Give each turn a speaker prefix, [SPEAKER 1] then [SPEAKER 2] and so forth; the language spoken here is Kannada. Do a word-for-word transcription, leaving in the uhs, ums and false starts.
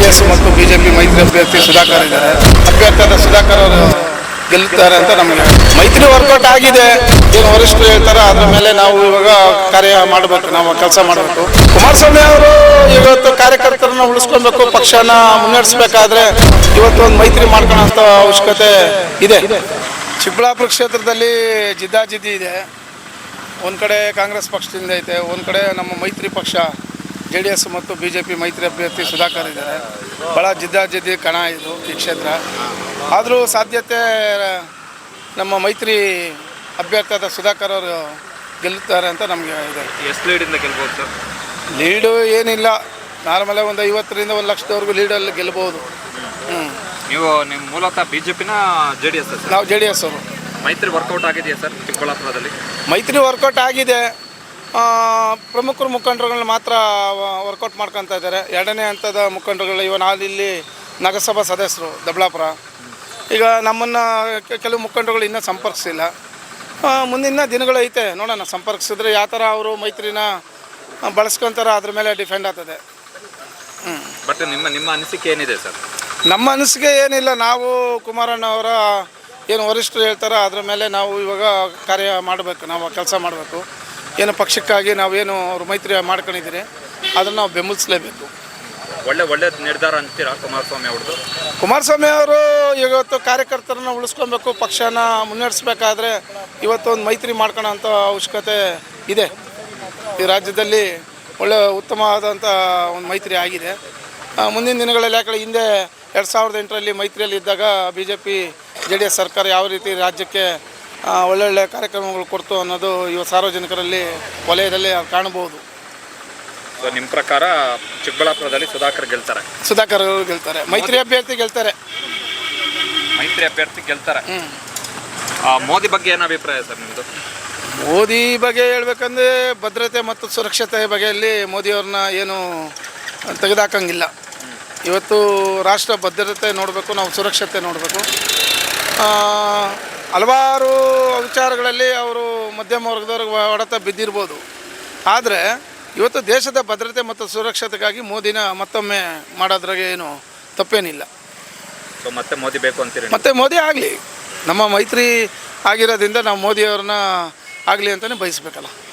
[SPEAKER 1] ಎಸ್ ಮತ್ತು ಬಿಜೆಪಿ ಮೈತ್ರಿ ಅಭ್ಯರ್ಥಿ ಸುಧಾಕರ್ ಇದ್ದಾರೆ. ಅಭ್ಯರ್ಥಿಯಾದ ಸುಧಾಕರ್ ಅವರು ಗೆಲ್ಲುತ್ತಾರೆ ಅಂತ ನಮಗೆ ಮೈತ್ರಿ ವರ್ಕೌಟ್ ಆಗಿದೆ. ಏನು ವರಿಷ್ಠರು ಹೇಳ್ತಾರೆ ಅದ್ರ ಮೇಲೆ ನಾವು ಇವಾಗ ಕಾರ್ಯ ಮಾಡಬೇಕು, ನಾವು ಕೆಲಸ ಮಾಡಬೇಕು. ಕುಮಾರಸ್ವಾಮಿ ಅವರು ಇವತ್ತು ಕಾರ್ಯಕರ್ತರನ್ನ ಉಳಿಸ್ಕೊಬೇಕು, ಪಕ್ಷನ ಮುನ್ನಡೆಸಬೇಕಾದ್ರೆ ಇವತ್ತು ಒಂದು ಮೈತ್ರಿ ಮಾಡ್ಕೊಳ್ಳೋಂಥ ಅವಶ್ಯಕತೆ ಇದೆ. ಚಿಕ್ಕಬಳ್ಳಾಪುರ ಕ್ಷೇತ್ರದಲ್ಲಿ ಜಿದ್ದಾಜಿದ್ದಿ ಇದೆ. ಒಂದು ಕಡೆ ಕಾಂಗ್ರೆಸ್ ಪಕ್ಷದಿಂದ ಐತೆ, ಒಂದು ಕಡೆ ನಮ್ಮ ಮೈತ್ರಿ ಪಕ್ಷ ಜೆ ಡಿ ಎಸ್ ಮತ್ತು ಬಿ ಜೆ ಪಿ ಮೈತ್ರಿ ಅಭ್ಯರ್ಥಿ ಸುಧಾಕರ್ ಇದ್ದಾರೆ. ಭಾಳ ಜಿದ್ದಾಜಿದ್ದಿ ಕಣ ಇದು ಈ ಕ್ಷೇತ್ರ. ಆದರೂ ಸಾಧ್ಯತೆ ನಮ್ಮ ಮೈತ್ರಿ ಅಭ್ಯರ್ಥಿಯಾದ ಸುಧಾಕರ್ ಅವರು ಗೆಲ್ಲುತ್ತಾರೆ ಅಂತ ನಮಗೆ ಇದೆ.
[SPEAKER 2] ಎಷ್ಟು ಲೀಡಿಂದ ಗೆಲ್ಬೋದು ಸರ್?
[SPEAKER 1] ಲೀಡು ಏನಿಲ್ಲ, ನಾರ್ಮಲೇ ಒಂದು ಐವತ್ತರಿಂದ ಒಂದು ಲಕ್ಷದವರೆಗೂ ಲೀಡಲ್ಲಿ ಗೆಲ್ಬೋದು. ಹ್ಞೂ
[SPEAKER 2] ನೀವು ನಿಮ್ಮ ಮೂಲತಃ ಬಿ ಜೆ ಪಿನ ಜೆ ಡಿ ಎಸ್?
[SPEAKER 1] ನಾವು ಜೆ ಡಿ ಎಸ್ ಅವರು.
[SPEAKER 2] ಮೈತ್ರಿ ವರ್ಕೌಟ್ ಆಗಿದೆಯಾ ಸರ್ ಚಿಕ್ಕಬಳ್ಳಾಪುರದಲ್ಲಿ?
[SPEAKER 1] ಮೈತ್ರಿ ವರ್ಕೌಟ್ ಆಗಿದೆ. ಪ್ರಮುಖರು ಮುಖಂಡರುಗಳನ್ನ ಮಾತ್ರ ವರ್ಕೌಟ್ ಮಾಡ್ಕೊತಾ ಇದ್ದಾರೆ. ಎರಡನೇ ಹಂತದ ಮುಖಂಡರುಗಳು ಇವನ್ ಇಲ್ಲಿ ನಗರಸಭಾ ಸದಸ್ಯರು ದೊಡ್ಡಬಳ್ಳಾಪುರ. ಈಗ ನಮ್ಮನ್ನು ಕೆಲವು ಮುಖಂಡರುಗಳು ಇನ್ನೂ ಸಂಪರ್ಕಿಸಿಲ್ಲ. ಮುಂದಿನ ದಿನಗಳು ಐತೆ, ನೋಡೋಣ. ಸಂಪರ್ಕಿಸಿದ್ರೆ ಯಾವ ಥರ ಅವರು ಮೈತ್ರಿನ ಬಳಸ್ಕೊತಾರೆ ಅದ್ರ ಮೇಲೆ ಡಿಪೆಂಡ್ ಆಗ್ತದೆ. ಹ್ಞೂ
[SPEAKER 2] ಬಟ್ ನಿಮ್ಮ ನಿಮ್ಮ ಅನಿಸಿಕೆ ಏನಿದೆ ಸರ್?
[SPEAKER 1] ನಮ್ಮ ಅನಿಸಿಕೆ ಏನಿಲ್ಲ, ನಾವು ಕುಮಾರಣ್ಣ ಅವರ ಏನು ವರಿಷ್ಠರು ಹೇಳ್ತಾರೋ ಅದ್ರ ಮೇಲೆ ನಾವು ಇವಾಗ ಕಾರ್ಯ ಮಾಡಬೇಕು, ನಾವು ಕೆಲಸ ಮಾಡಬೇಕು. ಏನು ಪಕ್ಷಕ್ಕಾಗಿ ನಾವೇನು ಅವ್ರು ಮೈತ್ರಿ ಮಾಡ್ಕೊಂಡಿದ್ದೀರಿ ಅದನ್ನು ನಾವು ಬೆಂಬಲಿಸಲೇಬೇಕು.
[SPEAKER 2] ಒಳ್ಳೆ ಒಳ್ಳೆ ನಿರ್ಧಾರ ಅಂತೀರಾ ಕುಮಾರಸ್ವಾಮಿ ಅವ್ರದ್ದು?
[SPEAKER 1] ಕುಮಾರಸ್ವಾಮಿ ಅವರು ಇವತ್ತು ಕಾರ್ಯಕರ್ತರನ್ನ ಉಳಿಸ್ಕೊಬೇಕು, ಪಕ್ಷನ ಮುನ್ನಡೆಸಬೇಕಾದ್ರೆ ಇವತ್ತು ಒಂದು ಮೈತ್ರಿ ಮಾಡ್ಕೊಳ್ಳೋಂಥ ಅವಶ್ಯಕತೆ ಇದೆ. ಈ ರಾಜ್ಯದಲ್ಲಿ ಒಳ್ಳೆ ಉತ್ತಮವಾದಂಥ ಒಂದು ಮೈತ್ರಿ ಆಗಿದೆ. ಮುಂದಿನ ದಿನಗಳಲ್ಲಿ ಯಾಕಂದರೆ ಹಿಂದೆ ಎರಡು ಸಾವಿರದ ಎಂಟರಲ್ಲಿ ಮೈತ್ರಿಯಲ್ಲಿ ಇದ್ದಾಗ B J P J D S ಸರ್ಕಾರ ಯಾವ ರೀತಿ ರಾಜ್ಯಕ್ಕೆ ಒಳ್ಳೊಳ್ಳೆ ಕಾರ್ಯಕ್ರಮಗಳು ಕೊಡ್ತು ಅನ್ನೋದು ಇವ ಸಾರ್ವಜನಿಕರಲ್ಲಿ ವಲಯದಲ್ಲಿ ಕಾಣಬಹುದು.
[SPEAKER 2] ಸೊ ನಿಮ್ಮ ಪ್ರಕಾರ ಚಿಕ್ಕಬಳ್ಳಾಪುರದಲ್ಲಿ ಸುಧಾಕರ್ ಗೆಲ್ತಾರೆ?
[SPEAKER 1] ಸುಧಾಕರ್ ಅವರು ಗೆಲ್ತಾರೆ, ಮೈತ್ರಿ ಅಭ್ಯರ್ಥಿ ಗೆಲ್ತಾರೆ.
[SPEAKER 2] ಮೈತ್ರಿ ಅಭ್ಯರ್ಥಿ ಗೆಲ್ತಾರೆ. ಮೋದಿ ಬಗ್ಗೆ ಏನು ಅಭಿಪ್ರಾಯ ಸರ್ ನಿಮ್ಮದು?
[SPEAKER 1] ಮೋದಿ ಬಗ್ಗೆ ಹೇಳ್ಬೇಕಂದ್ರೆ ಭದ್ರತೆ ಮತ್ತು ಸುರಕ್ಷತೆ ಬಗೆಯಲ್ಲಿ ಮೋದಿಯವ್ರನ್ನ ಏನು ತೆಗೆದುಹಾಕಂಗಿಲ್ಲ. ಇವತ್ತು ರಾಷ್ಟ್ರ ಭದ್ರತೆ ನೋಡಬೇಕು, ನಾವು ಸುರಕ್ಷತೆ ನೋಡಬೇಕು. ಹಲವಾರು ವಿಚಾರಗಳಲ್ಲಿ ಅವರು ಮಧ್ಯಮ ವರ್ಗದವ್ರಿಗೆ ಹೊಡೆತ ಬಿದ್ದಿರ್ಬೋದು. ಆದರೆ ಇವತ್ತು ದೇಶದ ಭದ್ರತೆ ಮತ್ತು ಸುರಕ್ಷತೆಗಾಗಿ ಮೋದಿನ ಮತ್ತೊಮ್ಮೆ ಮಾಡೋದ್ರಾಗೆ ಏನು ತಪ್ಪೇನಿಲ್ಲ.
[SPEAKER 2] ಸೊ ಮತ್ತೆ ಮೋದಿ ಬೇಕು ಅಂತೀರಿ?
[SPEAKER 1] ಮತ್ತೆ ಮೋದಿ ಆಗಲಿ, ನಮ್ಮ ಮೈತ್ರಿ ಆಗಿರೋದ್ರಿಂದ ನಾವು ಮೋದಿಯವ್ರನ್ನ ಆಗಲಿ ಅಂತಲೇ ಬಯಸಬೇಕಲ್ಲ.